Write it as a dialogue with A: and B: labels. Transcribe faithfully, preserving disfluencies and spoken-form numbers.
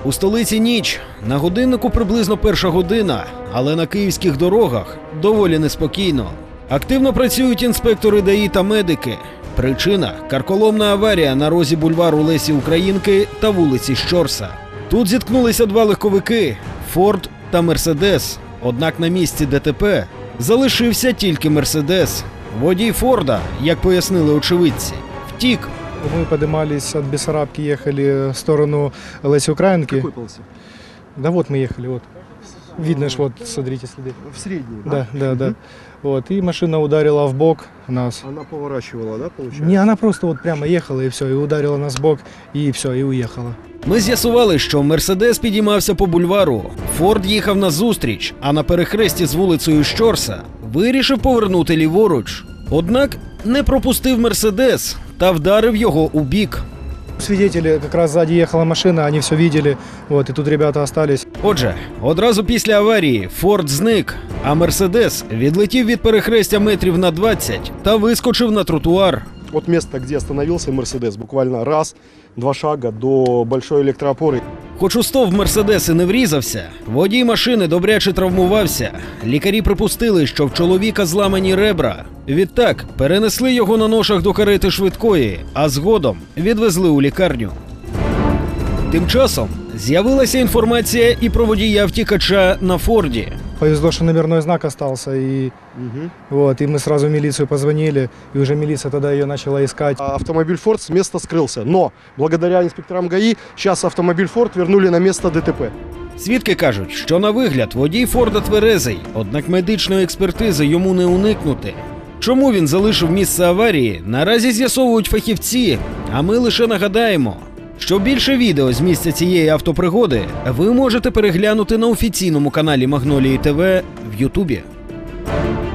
A: У столиці ніч. На годиннику приблизно перша година, але на київських дорогах доволі неспокійно. Активно працюють інспектори ДАІ та медики. Причина – карколомна аварія на розі бульвару Лесі Українки та вулиці Щорса. Тут зіткнулися два легковики – «Форд» та «Мерседес». Однак на місці ДТП залишився тільки «Мерседес». Водій «Форда», як пояснили очевидці, втік.
B: Мы поднимались от Бессарабки, ехали в сторону Леси Украинки.
C: Какой полосе?
B: Да вот мы ехали, вот. Видно ж, вот, смотрите следы.
C: В средней, да?
B: Да, да, да. Вот, и машина ударила в бок нас.
C: Она поворачивала, да, получается?
B: Не, она просто вот прямо ехала и все, и ударила нас в бок, и все, и уехала.
A: Ми з'ясували, що «Мерседес» підіймався по бульвару, «Форд» їхав назустріч, а на перехресті з вулицею Щорса вирішив повернути ліворуч. Однак не пропустив «Мерседес» та вдарив його у бік.
B: Свидетели, как раз сзади ехала машина, они все видели, вот, и тут ребята остались.
A: Отже, одразу після аварії «Форд» зник, а «Мерседес» відлетів від перехрестя метрів на двадцять та вискочив на тротуар.
C: От места, где остановился Мерседес, буквально раз, два шага до большой электроопоры.
A: Хоч у стовп «Мерседес» і не врізався, водій машини добряче травмувався. Лікарі припустили, що в чоловіка зламані ребра. Відтак перенесли його на ношах до карети швидкої, а згодом відвезли у лікарню. Тим часом з'явилася інформація і про водія втікача на «Форді».
B: Повезло, что номерной знак остался, и,
C: Угу.
B: вот, и мы сразу в милицию позвонили, и уже милиция тогда ее начала искать.
C: Автомобиль «Форд» с места скрылся, но благодаря инспекторам ГАИ сейчас автомобиль «Форд» вернули на место ДТП.
A: Свідки кажуть, що на вигляд водій «Форда» тверезий, однак медичної експертизи йому не уникнути. Чому він залишив місце аварії, наразі з'ясовують фахівці, а ми лише нагадаємо, що більше відео з місця цієї автопригоди ви можете переглянути на офіційному каналі Магнолії ТВ в Ютубі.